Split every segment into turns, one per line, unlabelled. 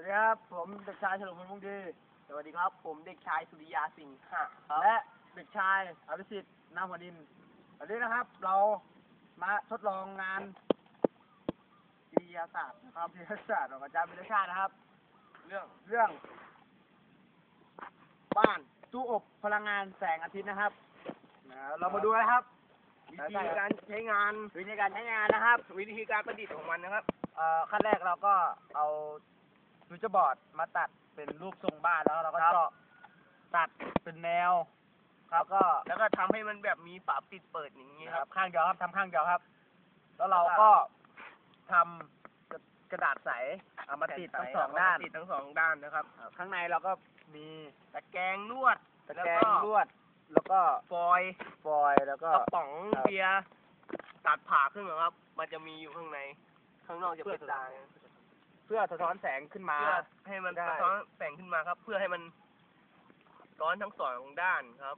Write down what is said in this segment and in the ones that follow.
วัสดีครับผมเด็กชายเฉลิมพลมุ่งดี
สวัสดีครับผมเด็กชายสุริยาสิงห์ครับ
และเด็กชายอภิสิทธิ์นามหัวดินวันนี้นะครับ เรามาทดลองงานวิทยาศาสตร์นะครับวิทยาศาสตร์ของอาจารย์วิทยาชาตินะครับ เรื่องบ้านตู้อบพลังงานแสงอาทิตย์นะครับเรามาดูนะครับ
วิธีการใช้งาน
วิธีการใช้งานนะครับ
วิธีการประดิษฐ์ของมันนะครับ
ขั้นแรกเราก็เอาฟิวเจอร์บอร์ดมาตัดเป็นรูปทรงบ้านแล้วเราก็เจาะตัดเป็นแนวครับ
แล้วก็ทำให้มันแบบมีฝาปิดเปิดอย่างนี้ครับ
ข้างเดียวครับทำข้างเดียวครับ แล้วเราก็ทำกระดาษใสเอามาติดทั้งสองด้าน
ติดทั้งสองด้านนะครับ
ข้างในเราก็มี
ตะแกรงลวด
ตะแกรงลวดแล้วก็
ฟอยล์
แล้วก็
กระป๋องเบียร์ตัดผ่าขึ้นครับ มันจะมีอยู่ข้างในข้างนอกจะเป็นตา
เพื่อสะท้อนแสงขึ้นมา
เพื่อให้มันสะท้อนแสงขึ้นมาครับ เพื่อให้มันร้อนทั้งสองด้านครับ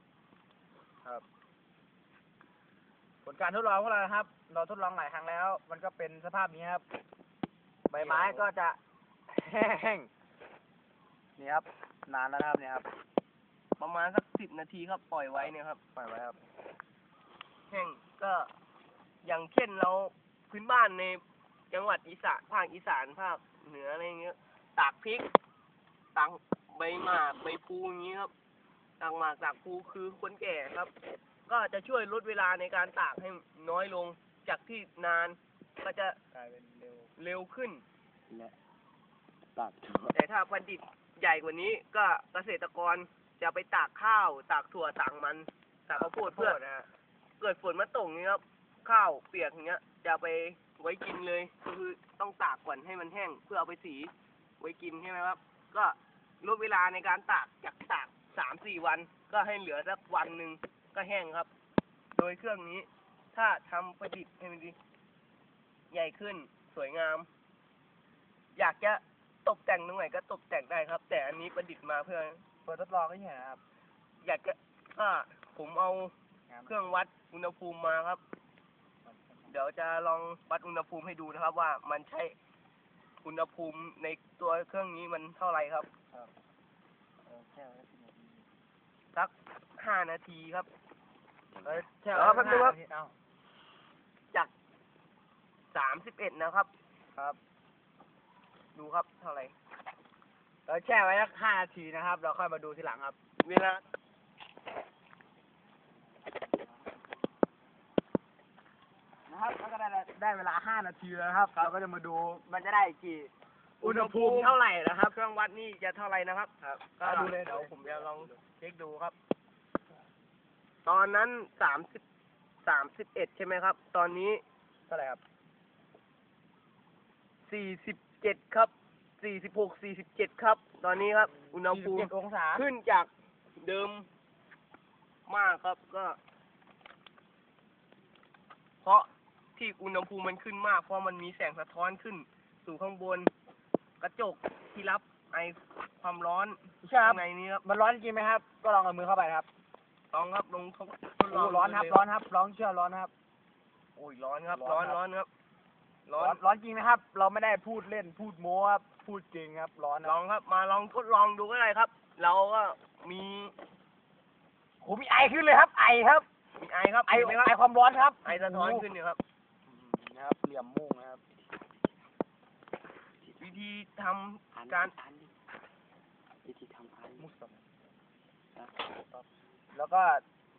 ผลการทดลองของเราครับ เราทดลองหลายครั้งแล้ว มันก็เป็นสภาพนี้ครับ ใบไม้ก็จะแห้งนี่ครับนานแล้วนะครับเนี่ยครับ
ประมาณสัก10 นาทีครับ ปล่อยไว้เนี่ยครับ
ปล่อยไว้ครับ
แห้งก็อย่างเช่นเราพื้นบ้านในจังหวัดอีสานภาคอีสานภาคเหนืออะไรเงี้ยตากพริกตากใบหมากใบพลูอย่างนี้ครับตากหมากตากพลูคือคนแก่ครับ ก็จะช่วยลดเวลาในการตากให้น้อยลงจากที่นานก็จะ
กลายเป็น
เร็วขึ้น
และตัด
แต่ถ้าผลิตใหญ่กว่านี้ก็เกษตรกรจะไปตากข้าวตากถั่วตากมันตากข้าวโพดเพื่อเกิดฝนมาตกนี้ครับข้าวเปียกอย่างเงี้ยจะไปไว้กินเลยก็คือต้องตากก่อนให้มันแห้งเพื่อเอาไปสีไว้กินใช่ไหมครับก็ลดเวลาในการตากจากตาก3-4 วันก็ให้เหลือสักวันหนึ่งก็แห้งครับ โดยเครื่องนี้ถ้าทำประดิษฐ์ให้มันดีใหญ่ขึ้นสวยงามอยากจะตกแต่งตรงไหนก็ตกแต่งได้ครับ แต่อันนี้ประดิษฐ์มาเพื่อ
ทดลองก็เห็นนะครับ
อยากจะผมเอาเครื่องวัดอุณหภูมิมาครับเดี๋ยวจะลองวัดอุณหภูมิให้ดูนะครับว่ามันใช้อุณหภูมิในตัวเครื่องนี้มันเท่าไหร่ครับสัก5 นาทีครับ
แล้วแป๊บนึงครับ
จาก31นะครับดูครับเท่าไหร่
เราแช่ไว้สัก5 นาทีนะครับเราค่อยมาดูทีหลังครับ
เวลา
นะครับแล้วก็ได้เวลา5 นาทีแล้วครับเราก็จะมาดูมันจะได้กี่
อุณหภูมิเท่าไหร่นะครับเครื่องวัดนี่จะเท่าไหร่นะครับก็ดูเลยเดี๋ยวผมจะลองเช็คดูครับตอนนั้น31ใช่ไหมครับตอนนี้
เท่าไหร่ครับ
47ครับ46-47ครับตอนนี้ครับอุณหภูมิ
47 องศา
ขึ้นจากเดิมมากครับก็เพราะที่อุณหภูมิมันขึ้นมากเพราะมันมีแสงสะท้อนขึ้นสู่ข้างบนกระจกที่รับไอความร้อนข้างในนี้ครับ
มันร้อนจริงไหมครับก็ลองเอามือเข้าไปครับ
ลองครับลองทดลอง
ร้อนครับร้อนครับร้อนเชื่อร้อนครับ
โอ้ยร้อนครับร้อนครับ
ร้อนจริงนะครับเราไม่ได้พูดเล่นพูดโม้ครับพูดจริงครับร้อน
ลองครับมาลองทดลองดูก็ได้ครับเราก็มี
ไอขึ้นเลยครับไอครับ
มีไอครับ
ไอความร้อนครับ
ไอสะท้อนขึ้นอยู่ครับ
นะครับเหลี่ยมมุ่งนะครับ
วิธีทำการ
มุสลิมแล้วก็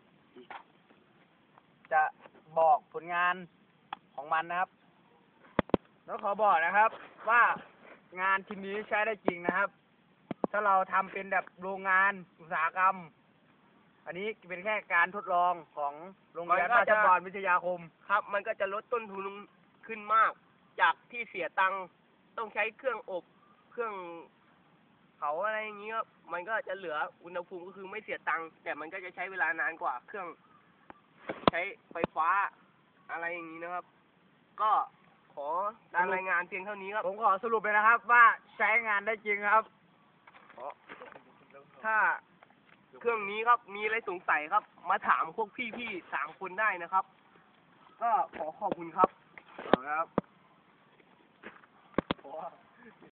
จะบอกผลงานของมันนะครับแล้วขอบอกนะครับว่างานชิ้นนี้ใช้ได้จริงนะครับถ้าเราทำเป็นแบบโรงงานอุตสาหกรรมอันนี้เป็นแค่การทดลองของโรงเรียนราชภัฏวิทยาคม
ครับมันก็จะลดต้นทุนขึ้นมากจากที่เสียตังค์ต้องใช้เครื่องอบเครื่องเผาอะไรอย่างนี้ครับมันก็จะเหลืออุณหภูมิก็คือไม่เสียตังค์แต่มันก็จะใช้เวลานานกว่าเครื่องใช้ไฟฟ้าอะไรอย่างนี้นะครับก็ขอการรายงานเพียงเท่านี้ครับ
ผมขอสรุปเลยนะครับว่าใช้งานได้จริงครับ
ถ้าเครื่องนี้ครับมีอะไรสงสัยครับมาถามพวกพี่ๆ3 คนได้นะครับก็ขอบคุณครับ